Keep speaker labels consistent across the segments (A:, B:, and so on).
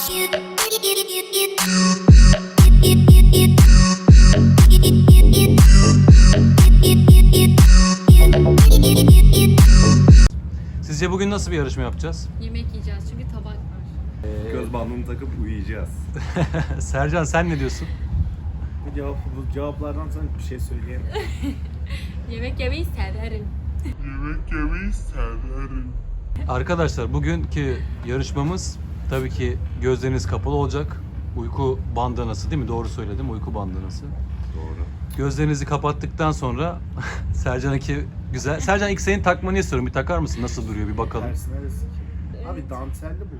A: Sizce bugün nasıl bir yarışma yapacağız?
B: Yemek yiyeceğiz çünkü tabak var.
C: Göz bandını takıp uyuyacağız.
A: Sercan sen ne diyorsun?
D: Bu cevaplardan sonra bir şey söyleyeyim.
B: Yemek yemeyi severim.
A: Arkadaşlar bugünkü yarışmamız tabii ki gözleriniz kapalı olacak. Uyku bandanası değil mi? Doğru söyledim, uyku bandanası.
C: Doğru.
A: Gözlerinizi kapattıktan sonra Sercan iki güzel. Sercan ilk senin takmanı istiyorum. Bir takar mısın? Nasıl duruyor bir bakalım.
D: Tersi neresi ki? Abi dantelli bu.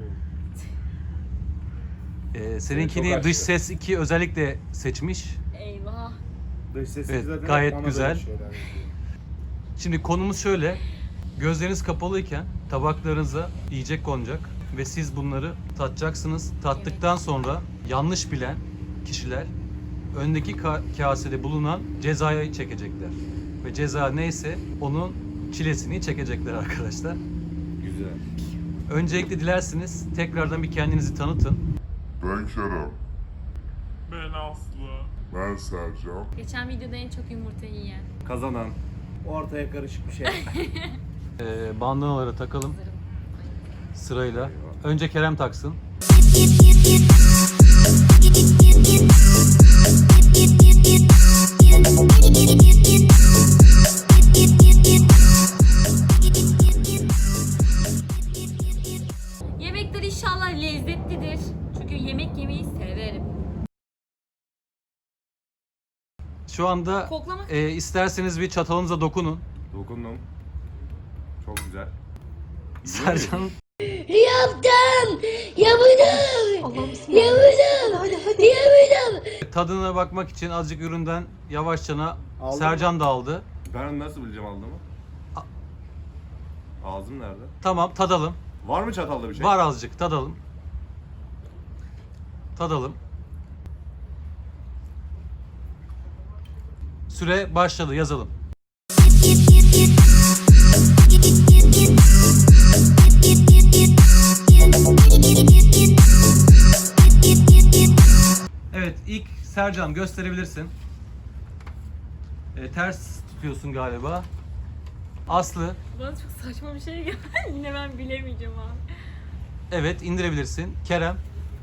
A: Seninkini
C: Çok
A: dış
C: açtı.
A: ses 2 özellikle seçmiş.
B: Eyvah.
D: Dış sesi
A: Evet,
D: zaten
A: gayet
D: bana
A: güzel.
D: böyle şeyler yapıyor.
A: Şimdi konumuz şöyle. Gözleriniz kapalıyken tabaklarınıza yiyecek konacak ve siz bunları tatacaksınız. Tattıktan sonra yanlış bilen kişiler öndeki kasede bulunan cezayı çekecekler. Ve ceza neyse onun çilesini çekecekler arkadaşlar.
C: Güzel.
A: Öncelikle dilerseniz tekrardan bir kendinizi tanıtın.
E: Ben Kerem.
F: Ben Aslı.
E: Ben Sercan.
B: Geçen videoda en çok yumurta yiyen.
C: Kazanan.
D: Ortaya karışık bir şey.
A: Bandanaları takalım
B: Hazırım.
A: sırayla. Önce Kerem taksın.
B: Yemekler inşallah lezzetlidir. Çünkü yemek yemeyi severim.
A: Şu anda
B: Koklamak.
A: isterseniz bir çatalınıza dokunun.
C: Dokundum. Çok güzel.
A: Sercan
G: Yaptım! Yapacağım! Yapacağım! Yapacağım!
A: tadına bakmak için azıcık üründen yavaşçana
D: Aldın
A: Sercan da aldı.
C: Ben nasıl bileceğim aldığımı? Ağzım nerede?
A: Tamam tadalım.
C: Var mı çatalda bir şey?
A: Var azıcık tadalım. Tadalım. Süre başladı yazalım. Evet ilk Sercan gösterebilirsin. Ters tutuyorsun galiba. Aslı
B: Bana çok saçma bir şey geldi. Yine ben bilemeyeceğim abi.
A: evet indirebilirsin. Kerem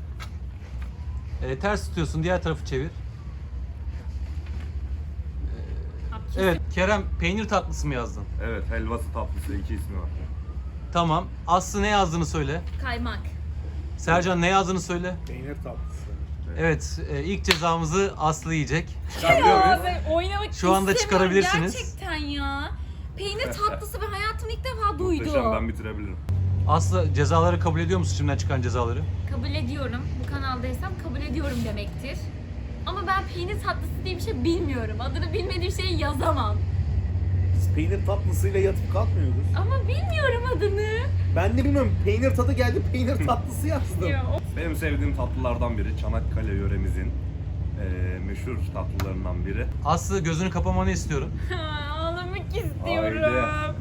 A: ters tutuyorsun diğer tarafı çevir.
B: Abi kesin
A: Evet Kerem peynir tatlısı mı yazdın?
C: Evet, helvası tatlısı iki ismi var.
A: Tamam. Aslı ne yazdığını söyle.
B: kaymak.
A: Sercan ne yazdığını söyle.
D: Peynir tatlısı.
A: Evet ilk cezamızı Aslı yiyecek.
C: Çıkarabiliyor
B: Ya
C: muyuz?
B: ben oynamak
A: Şu anda
B: istemiyorum
A: çıkarabilirsiniz.
B: gerçekten ya. Peynir tatlısı ben hayatımda ilk defa
C: Muhteşem,
B: duydum.
C: ben bitirebilirim.
A: Aslı cezaları kabul ediyor musun şimdiden çıkan cezaları?
B: Kabul ediyorum. Bu kanaldaysam kabul ediyorum demektir. Ama ben peynir tatlısı diye bir şey bilmiyorum. Adını bilmediğim şeyi yazamam.
D: Biz peynir tatlısıyla yatıp kalkmıyoruz.
B: Ama bilmiyorum adını.
D: Ben de bilmiyorum. Peynir tadı geldi. Peynir tatlısı yazdım.
B: Ya, o-
C: Benim sevdiğim tatlılardan biri. Çanakkale yöremizin meşhur tatlılarından biri.
A: Aslı gözünü kapamanı istiyorum.
B: Ağlamak istiyorum.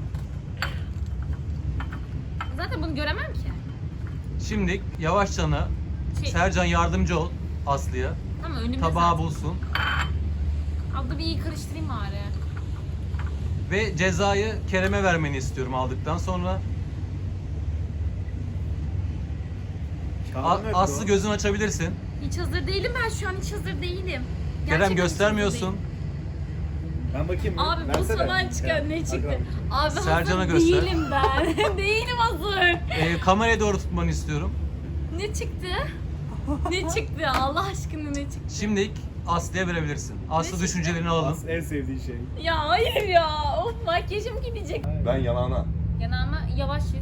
B: Zaten bunu göremem ki.
A: Şimdi yavaşçana Sercan yardımcı ol Aslı'ya.
B: Tamam önümde
A: Tabağı
B: zaten.
A: bulsun.
B: Abla bir iyi karıştırayım bari.
A: Ve cezayı Kerem'e vermeni istiyorum aldıktan sonra.
D: Kağıdı nerede
A: Aslı
D: o?
A: gözünü açabilirsin.
B: Hiç hazır değilim ben şu an hiç hazır değilim.
A: Kerem
B: Gerçekten hiç
A: göstermiyorsun.
B: hazır değilim.
D: Ben bakayım. mı?
B: Abi bu
D: Versene.
B: zaman çıkan
D: Ya,
B: ne çıktı?
D: bakalım.
B: Abi
A: Sercan'a
B: hazır
A: göster.
B: değilim ben. Değilim hazır.
A: Kameraya doğru tutmanı istiyorum.
B: Ne çıktı? Ne çıktı? Allah aşkına ne çıktı?
A: Şimdi Aslı'ya verebilirsin. Aslı
B: çıktı?
A: düşüncelerini alalım.
D: Aslı en sevdiği şey.
B: Ya hayır ya. Of makyajım gidecek.
C: Ben yanağına.
B: Yanağıma yavaş yüz.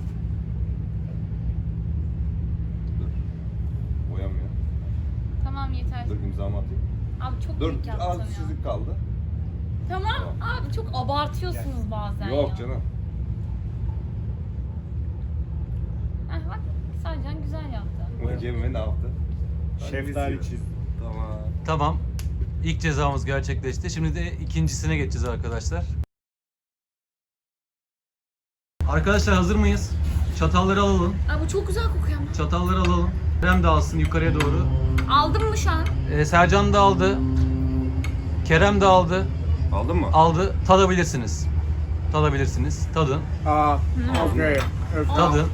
C: Dur. Boyamıyor.
B: Tamam yeter.
C: Dur imzamı atayım.
B: Abi çok
C: Dur,
B: büyük yaptım
C: az
B: ya.
C: çizik kaldı.
B: Tamam abi çok abartıyorsunuz bazen ya.
C: Yok canım.
B: Heh, bak Sercan güzel yaptı.
C: Bakayım ne yaptı?
D: Şeftali
C: çiz.
D: çiz.
C: Tamam.
A: Tamam. İlk cezamız gerçekleşti. Şimdi de ikincisine geçeceğiz arkadaşlar. Arkadaşlar hazır mıyız? Çatalları alalım.
B: Aa, bu çok güzel kokuyor ama.
A: Çatalları alalım. Kerem de alsın yukarıya doğru.
B: Aldın mı şu an?
A: Sercan da aldı. Kerem de aldı.
C: Aldın mı?
A: Aldı. Tadabilirsiniz. Tadabilirsiniz. Tadın.
D: Okay.
A: Tadın.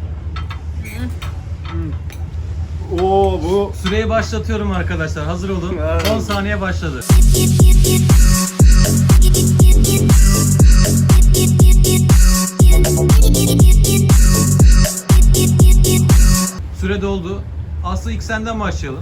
D: Oo bu
A: Süreyi başlatıyorum arkadaşlar. Hazır olun. 10 saniye başladı. Süre doldu. Aslı ilk senden başlayalım.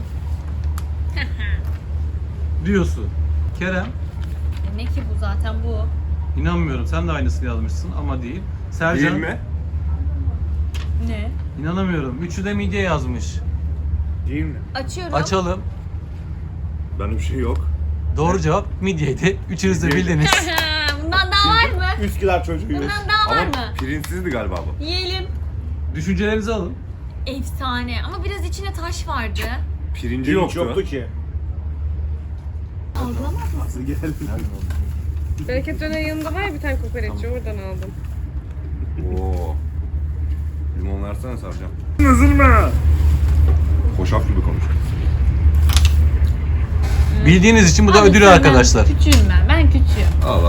A: Diyorsun. Kerem,
B: Demek ki bu zaten bu.
A: inanmıyorum. Sen de aynısını yazmışsın ama değil. Sercan,
C: Değil mi?
B: Ne?
A: İnanamıyorum. Üçü de midye yazmış.
D: değil mi?
B: Açıyorum.
A: Açalım.
C: Benim bir şey yok.
A: Doğru cevap midyeydi. Üçünüz de
C: Midyeydi.
A: bildiniz.
B: Bundan daha var mı?
D: Üsküdar çocuğuyuz.
B: Bundan daha var
C: Ama
B: mı?
C: pirinçsizdi galiba bu.
B: Yiyelim.
A: Düşüncelerinizi alın.
B: Efsane ama biraz içine taş vardı.
C: Pirinci
D: Pirinç
C: yoktu.
D: ki.
B: Algılamaz mı?
D: Nasıl geldi?
H: Bereket Döner yanında var ya bir tane kokoreççi oradan aldım.
C: Oo. Limon versene Sercan.
D: Üzülme.
C: Hoşaf gibi konuş.
A: Bildiğiniz için bu da
B: Abi
A: ödül
B: sen
A: arkadaşlar.
B: Ben küçüğüm ben. Ben küçüğüm.
C: Allah.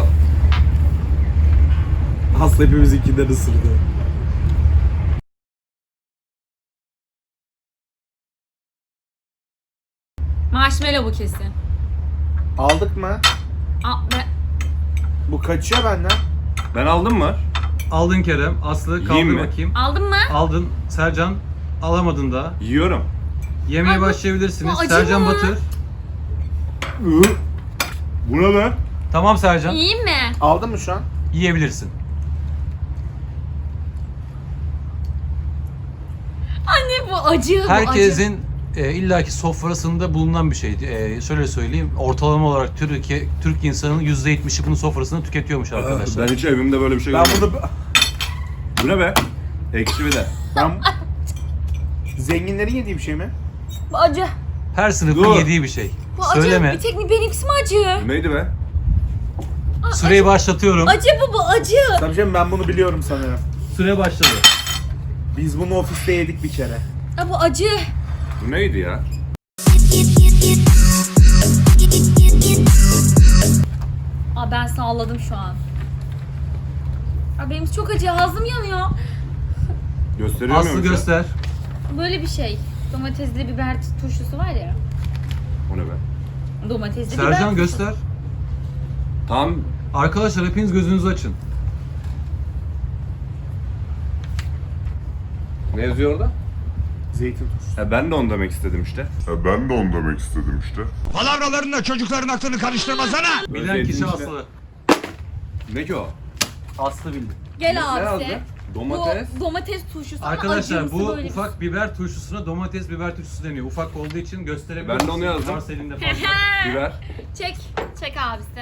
D: Aslı hepimizinkinden ısırdı.
B: Marshmallow bu kesin.
D: Aldık mı? Bu kaçıyor benden.
C: Ben aldım mı?
A: Aldın Kerem. Aslı kaldır
C: Yiyeyim mi?
A: bakayım.
B: Aldın mı?
A: Aldın. Sercan alamadın da.
C: Yiyorum.
A: Yemeye
B: Ay bu-
A: başlayabilirsiniz.
B: bu acı
A: Sercan
B: mı?
A: batır.
C: Bu ne be?
A: Tamam Sercan.
B: Yiyeyim mi?
D: Aldın mı şu an?
A: Yiyebilirsin.
B: Anne bu acı. Bu acı.
A: Herkesin illaki sofrasında bulunan bir şeydi. Şöyle söyleyeyim. Ortalama olarak Türk insanının %70'i bunun sofrasını tüketiyormuş arkadaşlar.
C: Ben hiç evimde böyle bir şey
D: Ben
C: görmedim.
D: bunu...
C: Bu ne be? Ekşi bir de.
D: Ben... Zenginlerin yediği bir şey mi?
B: Bu acı.
A: Her sınıfın
C: Dur.
A: yediği bir şey.
B: Bu acı.
A: Söyleme.
B: Bir tek mi benimkisi mi acı?
C: Bu neydi be?
A: Süreyi başlatıyorum.
B: Acı bu acı.
D: Tabii canım ben bunu biliyorum sanırım.
A: Süre başladı.
D: Biz bunu ofiste yedik bir kere.
B: Ha, bu acı.
C: Bu neydi ya?
B: Aa, ben salladım şu an. Aa, benim çok acı. Ağzım yanıyor.
C: Gösteriyor
A: Aslı
C: muyum şu an?
A: göster.
B: Böyle bir şey. Domatesli biber turşusu var ya.
C: O ne be?
B: Domatesli biber
A: Sercan
B: turşusu.
A: göster.
C: Tam
A: Arkadaşlar hepiniz gözünüzü açın.
C: ne yazıyor orada?
D: Zeytin turşusu.
C: Ben de onu demek istedim işte.
E: Ben de onu demek istedim işte.
I: Palavralarınla çocukların aklını karıştırmasana.
A: Bilen
C: Zeytin
A: kişi
C: işte.
A: Aslı.
C: Ne ki o?
A: Aslı bildi.
B: Gel
C: Ne
B: abi
C: yazdı?
B: sen.
C: Domates.
B: Bu domates turşusu. ama
A: Arkadaşlar
B: acımsı
A: bu
B: böyle bir-
A: ufak biber turşusuna domates biber turşusu deniyor. Ufak olduğu için gösterebilirim.
C: Ben de onu yazdım.
A: Varsa elinde fazla.
C: Biber.
B: Çek. Çek abisi.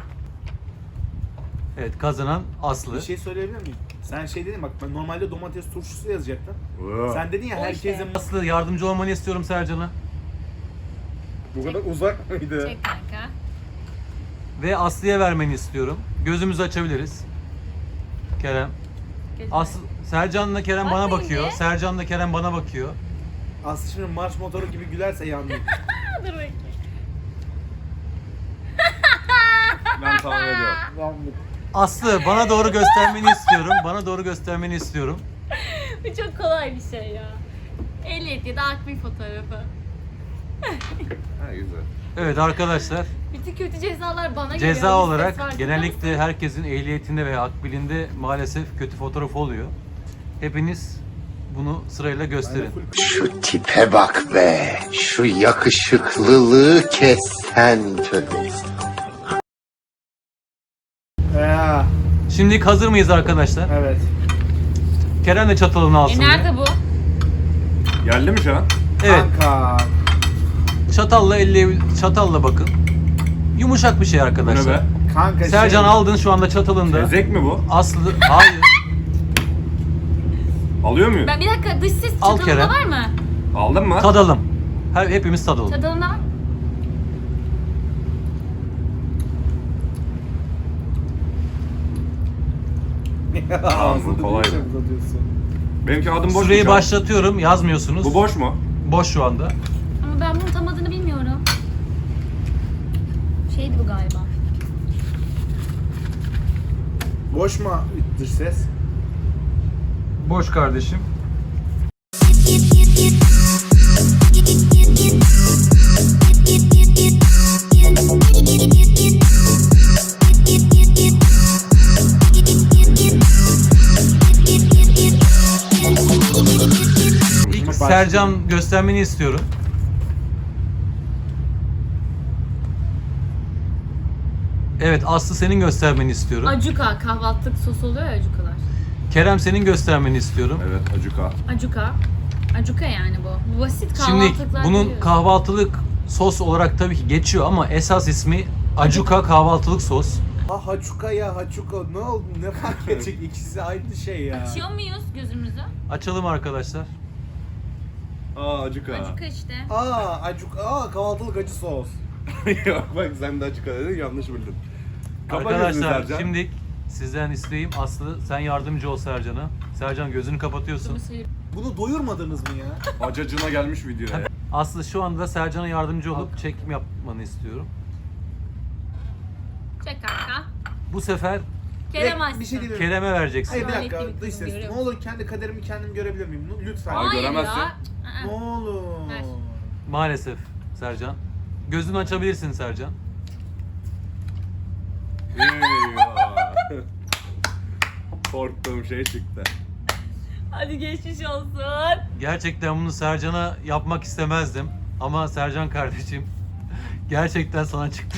A: Evet, kazanan Aslı.
D: Bir şey söyleyebilir miyim? Sen şey dedin bak ben normalde domates turşusu yazacaktın.
C: Oo.
D: Sen dedin ya
B: O
D: herkesin
B: işte.
A: Aslı yardımcı olmanı istiyorum Sercan'a.
D: bu kadar uzak mıydı?
B: Çek kanka.
A: Ve Aslı'ya vermeni istiyorum. Gözümüzü açabiliriz. Kerem. Aslı, Sercan'la Kerem bana
B: Bakmayın
A: bakıyor.
B: be.
A: Sercan'la Kerem bana bakıyor.
D: Aslı şimdi marş motoru gibi gülerse yandım.
B: Dur bakayım.
C: Ben tahmin ediyorum.
D: Yandım.
A: Aslı bana doğru göstermeni istiyorum. Bana doğru göstermeni istiyorum.
B: Bu çok kolay bir şey ya. Ehliyet ya da akbil fotoğrafı.
C: Ha güzel.
A: Evet arkadaşlar,
B: Bütün kötü cezalar bana geliyor.
A: ceza
B: Bir
A: olarak
B: ses var,
A: genellikle
B: biliyor musun?
A: herkesin ehliyetinde veya akbilinde maalesef kötü fotoğraf oluyor. Hepiniz bunu sırayla gösterin.
J: Şu tipe bak be. Şu yakışıklılığı kes sen tövbe.
D: Ya,
A: Şimdi hazır mıyız arkadaşlar?
D: evet.
A: Kerem de çatalını alsın. bir.
B: Nerede bu?
C: Geldi mi şu an?
A: Evet,
D: Kanka.
A: çatalla bakın. Yumuşak bir şey
C: Bu ne
A: arkadaşlar.
C: be?
D: Kanka
A: Sercan
D: şey,
A: aldın şu anda çatalında.
C: Tezek mi bu?
A: Aslı, hayır.
C: Alıyor muyum?
B: Ben bir dakika dış ses
A: Al
B: çadalında
A: Kerem.
B: var mı?
C: Aldın mı?
A: Tadalım. Hepimiz tadalım.
B: Çadalında var.
D: Ağzını
C: kolay.
D: bir şey uzatıyorsun.
C: Benimki adım boş mu
A: Süreyi
C: şu an?
A: başlatıyorum. Yazmıyorsunuz.
C: Bu boş mu?
A: boş şu anda.
B: Ama ben bunun tam adını bilmiyorum. Şeydi bu galiba.
D: Boş mu dış ses?
A: Boş kardeşim. İlk Sercan göstermeni istiyorum. Evet, Aslı senin göstermeni istiyorum.
B: Acuka, kahvaltılık sos oluyor ya acukalar.
A: Kerem senin göstermeni istiyorum.
C: Evet, acuka.
B: Acuka. Acuka yani bu. Bu basit
A: Şimdi
B: kahvaltılıklar
A: bunun
B: biliyoruz.
A: kahvaltılık sos olarak tabii ki geçiyor ama esas ismi Acuka kahvaltılık sos.
D: Ha haçuka ya haçuka ne oldu ne fark edecek ikisi aynı şey ya.
B: Açıyor muyuz gözümüzü?
A: Açalım arkadaşlar.
C: Aa, acuka.
B: Acuka işte.
D: Kahvaltılık acı sos.
C: Yok bak sen de acuka dedin, yanlış bildin. Kapa gözünü
A: Arkadaşlar
C: Sercan.
A: şimdi sizden isteğim Aslı sen yardımcı ol Sercan'a. Sercan gözünü kapatıyorsun.
D: Bunu doyurmadınız mı ya?
C: Acacına gelmiş video ya.
A: Aslı şu anda Sercan'a yardımcı olup çekim yapmanı istiyorum.
B: Çek kanka.
A: Bu sefer
B: Kerem açsın.
D: Bir şey diyeyim.
A: Kerem'e vereceksin.
D: Hayır bir
B: Lanetli
D: dakika
B: bir
D: dış
B: kızım,
D: ses.
B: görüyor
D: Ne olur kendi kaderimi kendim görebilir miyim? Lütfen.
C: Ay,
B: Hayır
C: göremezsin.
B: ya.
D: Ne olur.
B: Ver.
A: Maalesef Sercan. Gözünü açabilirsin Sercan.
C: Eyvah. Korktuğum şey çıktı.
B: Hadi geçmiş olsun.
A: Gerçekten bunu Sercan'a yapmak istemezdim. Ama Sercan kardeşim gerçekten sana çıktı.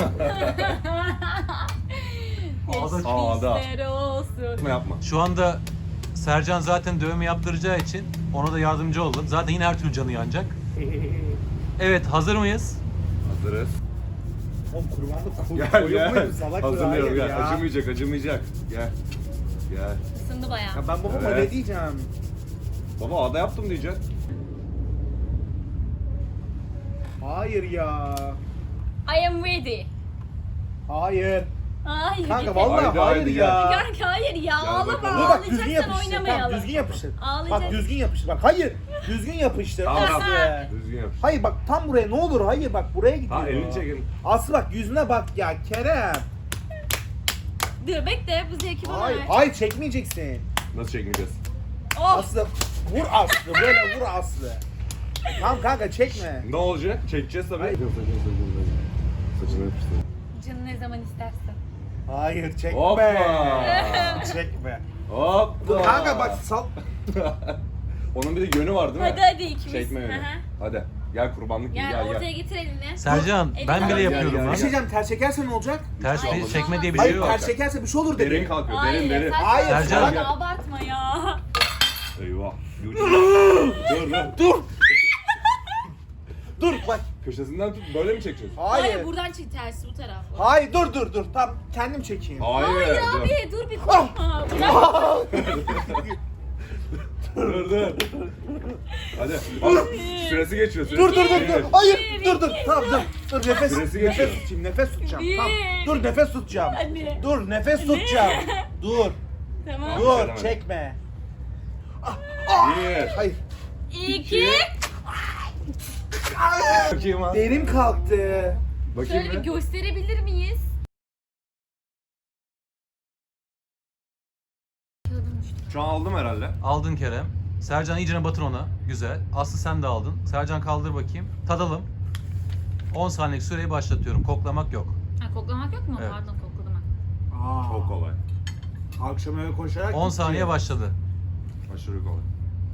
A: Ağda-
C: Ağda.
B: Geçmişler olsun.
C: Yapma yapma.
A: Şu anda Sercan zaten dövme yaptıracağı için ona da yardımcı oldum. Zaten yine her türlü canı yanacak. Evet, hazır mıyız?
C: Hazırız.
D: Oğlum kurbanlık
C: Gel
D: koyup
C: gel.
D: muyum salak
C: Hazırlıyorum
D: hayır
C: gel.
D: ya.
C: Acımayacak acımayacak. Gel. Gel.
B: Isındı bayağı.
D: Ya ben babama
C: Evet.
D: ne diyeceğim?
C: Baba ağda yaptım diyeceksin.
D: Hayır ya.
B: I am ready.
D: Hayır.
B: Hayır.
D: Kanka
B: yeter.
D: vallahi
C: Haydi,
D: hayır
C: haydi,
D: ya.
B: Kanka hayır ya. Ağlama.
C: bakalım.
D: Dur bak düzgün
B: Ağlayacaksan
D: yapıştır.
B: oynamayalım.
D: Tamam düzgün yapıştır.
B: Ağlayacak.
D: Bak düzgün yapıştır. Bak hayır. Düzgün yapıştır.
C: Tamam, tamam.
D: Aslı.
C: Düzgün yap.
D: Hayır bak tam buraya ne olur hayır bak buraya gidiyor.
C: Ha elini çekin.
D: Aslı bak yüzüne bak ya Kerem.
B: Dur bekle bu zevki bana
D: Hayır
B: ver.
D: hayır çekmeyeceksin.
C: Nasıl çekmeyeceğiz?
B: Of.
D: Aslı vur Aslı böyle vur Aslı. Tamam kanka çekme.
C: Ne olacak? Çekeceğiz tabii. Saçını yapıştır.
B: Canı ne zaman istersen.
D: Hayır çekme.
C: Hoppa.
D: Çekme.
C: Hoppa.
D: Kanka bak sal.
C: Onun bir de yönü var değil mi?
B: Hadi hadi ikimiz.
C: Çekme yönü.
B: Hı hı.
C: Hadi. Gel kurbanlık
B: Gel,
C: gel
B: ortaya
C: gel.
B: getir elini.
A: Sercan,
B: Elini
A: ben bile
B: al.
A: yapıyorum
C: Gel,
A: lan.
D: Bir şey diyeceğim ters çekerse ne olacak?
A: Ters
B: Hayır,
A: çekme diye bir şey
D: Hayır
A: yok.
D: ters çekerse bir şey olur dedi.
C: Derin kalkıyor.
B: Hayır.
C: Derin derin.
D: Hayır,
A: Sercan.
B: Hadi abartma ya.
C: Eyvah. Dur dur.
D: Dur. Dur bak.
C: Köşesinden tut. Böyle mi çekeceğiz?
B: Hayır,
D: Hayır.
B: buradan çık tersi bu taraf.
D: Hayır dur. Tamam kendim çekeyim.
C: Hayır.
B: Hayır
C: dur.
B: abi dur bir korkma. Bırak.
C: Dur. Hadi. Bak süresi geçiyor. Süresi.
D: Dur.
C: Evet.
D: Hayır
B: Bir,
D: dur.
B: iki,
D: Tamam dur. Dur nefes
C: Süresi geçiyor.
D: nefes tutacağım.
B: Bir.
D: Tamam. Dur nefes tutacağım.
B: Hadi.
D: Dur nefes tutacağım. Dur.
B: Tamam.
D: Dur
C: Çekemedim.
D: çekme.
C: Bir.
D: Hayır.
B: 2.
C: Bakayım ha.
D: Derim kalktı.
C: Bakayım
B: Şöyle bir
C: bir.
B: gösterebilir miyiz?
C: Şu an aldım herhalde.
A: Aldın Kerem. Sercan iyicene batır ona. Güzel. Aslı sen de aldın. Sercan kaldır bakayım. Tadalım. 10 saniyelik süreyi başlatıyorum. Koklamak yok.
B: Ha koklamak yok mu?
A: Evet.
B: Pardon kokladım ben.
D: Aa,
C: Çok kolay.
D: Akşam eve koşarak
A: 10
D: gitti.
A: saniye başladı.
C: Aşırı kolay.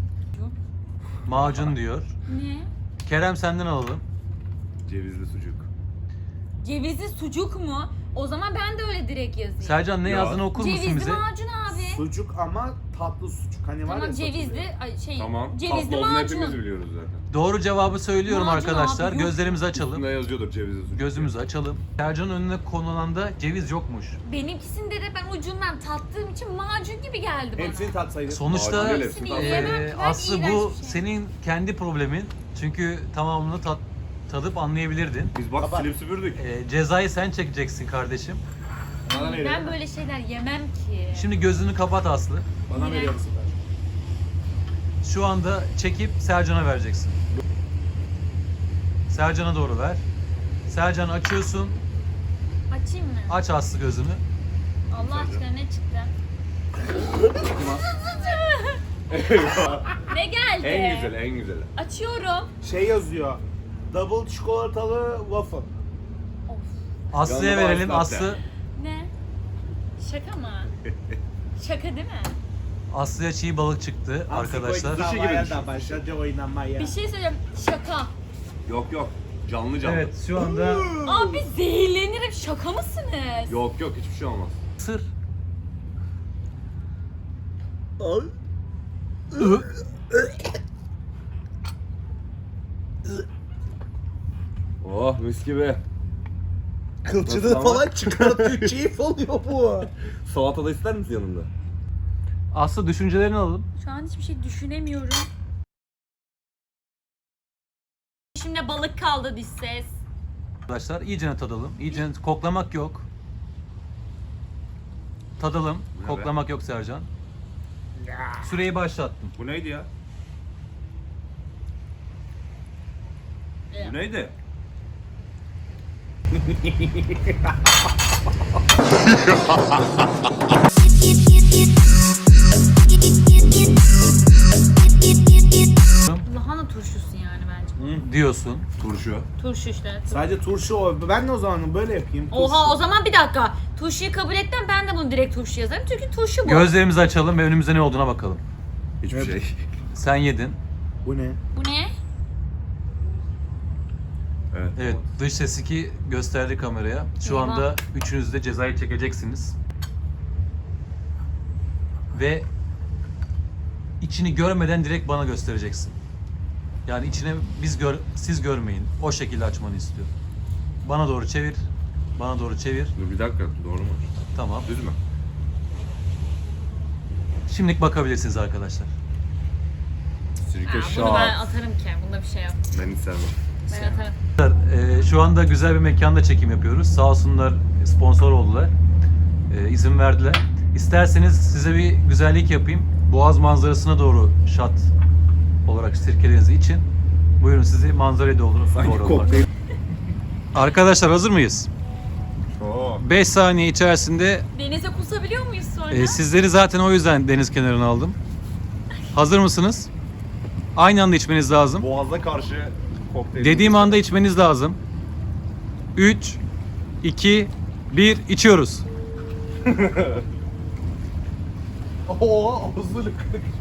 A: Macun diyor.
B: Ne?
A: Kerem senden alalım.
C: Cevizli sucuk.
B: Cevizli sucuk mu? O zaman ben de öyle direkt yazayım.
A: Sercan ne
C: Ya.
A: yazdığını okur musun
B: Cevizli
A: bize?
B: macun abi.
D: Sucuk ama tatlı sucuk. Hani var
B: Tamam
D: ya
B: cevizli,
D: satılıyor.
B: ay, şey,
C: Tamam.
B: cevizli
C: Tatlı olduğunu hepimiz
B: macun.
C: biliyoruz zaten.
A: Doğru cevabı söylüyorum
B: Macun
A: arkadaşlar.
B: abi, yok.
A: Gözlerimizi açalım.
C: Üstünde yazıyordur cevizli sucuk.
A: Gözümüzü açalım. Sercan'ın önüne konulan da ceviz yokmuş.
B: Benimkisinde de ben ucundan tattığım için macun gibi geldi bana.
D: Hepsini tatsaydın.
A: Sonuçta
C: Macun değil,
B: hepsini
C: hepsini
B: yiyemem
C: tatlı.
B: ki, ben
A: Aslı
B: iğrenç
A: bu
B: bir şey.
A: senin kendi problemin. Çünkü tamamını tadıp anlayabilirdin.
C: Biz bak
D: Baba.
C: silip süpürdük.
A: Cezayı sen çekeceksin kardeşim.
D: Bana
B: Ben
D: veriyor.
B: böyle şeyler yemem ki.
A: Şimdi gözünü kapat Aslı.
D: Bana
B: İğrenç.
D: veriyor musun?
A: Şu anda çekip Sercan'a vereceksin. Sercan'a doğru ver. Sercan açıyorsun.
B: Açayım mı?
A: Aç Aslı gözünü.
B: Allah aşkına ne çıktı? Ne geldi?
C: En güzeli, en güzeli.
B: Açıyorum.
D: Şey yazıyor. Double çikolatalı waffle.
A: Aslı'ya
C: Yanına
A: verelim.
C: latte.
A: Aslı
B: Ne? Şaka mı? Şaka değil mi?
A: Aslı'ya çiğ balık çıktı arkadaşlar.
C: Sushi gibi düşün.
D: Başladı oynamaya.
B: Bir şey söyleyeceğim. Şaka.
C: Yok canlı canlı.
A: Evet şu anda
B: Abi zehirlenirim. Şaka mısınız?
C: Yok hiçbir şey olmaz.
A: sır.
C: Oh mis gibi.
D: Kılçını
C: Nasıl ama?
D: falan çıkartıyor. Keyif oluyor bu.
C: Salata da ister misin yanında?
A: Aslı düşüncelerini alalım.
B: Şu an hiçbir şey düşünemiyorum. Şimdi balık kaldı diş ses.
A: Arkadaşlar iyice tadalım. İyice koklamak yok. Tadalım.
C: Bu ne
A: Koklamak yok Sercan. Süreyi başlattım.
C: Bu neydi ya? Bu neydi?
B: Lahana turşusu yani bence.
A: Diyorsun.
C: Turşu.
B: Turşu işte.
D: Sadece turşu o. Ben de o zaman böyle yapayım.
B: Oha o zaman bir dakika. Turşuyu kabul ettim, ben de bunu direkt turşu yazarım. Çünkü turşu bu.
A: Gözlerimizi açalım ve önümüzde ne olduğuna bakalım.
C: Hiçbir şey.
A: Sen yedin.
D: Bu ne?
B: Bu ne?
C: Evet.
A: Evet, dış ses 2 gösterdi kameraya. Şu
B: Eyvah.
A: anda üçünüz de cezayı çekeceksiniz. Ve içini görmeden direkt bana göstereceksin. Yani içine siz görmeyin. O şekilde açmanı istiyor. Bana doğru çevir. Bana doğru çevir.
C: Dur bir dakika, doğru mu?
A: Tamam.
C: Düz mü?
A: Şimdilik bakabilirsiniz arkadaşlar.
C: Sirke
B: Ha,
C: şah.
B: bunu ben atarım ki. Bunda bir şey yok.
C: Ben hiç sevmem.
B: Ben atarım.
A: Şu anda güzel bir mekanda çekim yapıyoruz. Sağ olsunlar sponsor oldular. İzin verdiler. İsterseniz size bir güzellik yapayım. Boğaz manzarasına doğru shot olarak sirkelerinizi için. Buyurun sizi manzaraya doğru.
C: Sanki
A: doğru
C: kokteyl.
A: Arkadaşlar hazır mıyız?
C: Oo.
A: 5 saniye içerisinde
B: Denize kusabiliyor muyuz sonra?
A: sizleri zaten o yüzden deniz kenarına aldım. Hazır mısınız? Aynı anda içmeniz lazım.
C: Boğaza karşı kokteyl.
A: Dediğim anda içmeniz lazım. 3, 2, 1 içiyoruz.
D: Oo, ağzını kırık.